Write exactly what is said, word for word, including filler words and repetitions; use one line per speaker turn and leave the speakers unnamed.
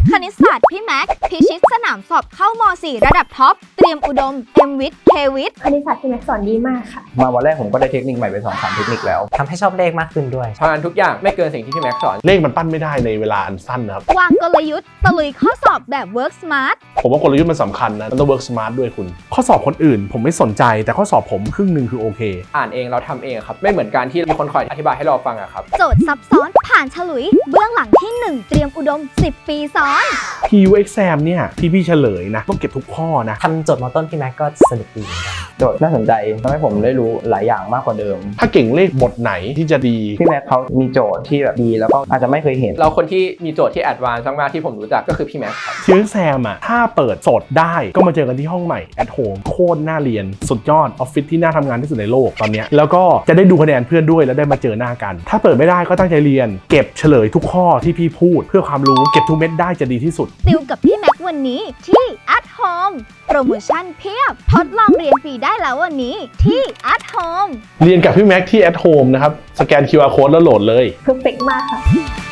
คณิตศาสตร์พี่แม็กพิชิตสนามสอบเข้าม .สี่ ระดับท็อปเตรียมอุดมเอ็มวิทย์เควิทย์
คณิตศาสตร์พี่แม็กสอนดีมากค่ะ
มาวันแรกผมก็ได้เทคนิคใหม่ไปสองสามเทคนิคแล้ว
ทำให้ชอบเลขมากขึ้นด้วย
ทำงานทุกอย่างไม่เกินสิ่งที่พี่แม็กสอน
เลขมันปั้นไม่ได้ในเวลาอันสั้นนะครับ
วางกลยุทธ์ตะลุยข้อสอบแบบ work smart
ผมว่ากลยุทธ์มันสำคัญนะมันต้อง work smart ด้วยคุณข้อสอบคนอื่นผมไม่สนใจแต่ข้อสอบผมครึ่งหนึ่งคือโอเค
อ่านเองเราทำเองครับไม่เหมือนการที่มีคนคอยอธิบายให้เราฟังอะครับ
โจทย์ซับซ้อนผ่านฉลุยเบื้องหลังที่หนึ่งเตรียมอุดมสิบปีซ้อน
พี ยู Exam เนี่ยที่พี่เฉลยนะต้องเก็บทุกข้อนะ
ทำโจทย์มอต้นพี่แม็กก็สนุกดีเหมือนกัน
โจทย์น่าสนใจทำให้ผมได้รู้หลายอย่างมากกว่าเดิม
ถ้าเก่งเลขบทไหนที่จะดี
พี่แม็กเขามีโจทย์ที่แบบดีแล้วก็อาจจะไม่เคยเห็น
เราคนที่มีโจทย์ที่แอดวานซ์มากๆที่ผมรู้จักก็คือพี่แม็กครับ
พี ยู Exam อ่ะถ้าเปิดสดได้ก็มาเจอกันที่ห้องใหม่ at home โคตรน่าเรียนสุดยอดออฟฟิศที่น่าทำงานที่สุดในโลกตอนนี้แล้วก็จะได้ดูคะแนนเพื่อนด้วยแล้วได้มาเจอหน้ากันถ้าเปิดไม่ได้ก็ตั้งใจเรียนเก็บเฉลยทุกข้อที่พี่พูดเพื่อความรู้เก็บทุกเม็ดได้จะดีที่สุด
ติวกับพี่แม็กวันนี้ที่ at home โปรโมชั่นเพียบทดลองเรียนฟรีได้แล้ววันนี้ที่ at home
เรียนกับพี่แม็กที่ at home นะครับสแกน คิว อาร์ code แล้วโหลดเลย
เพอร์เฟกต์มากค่ะ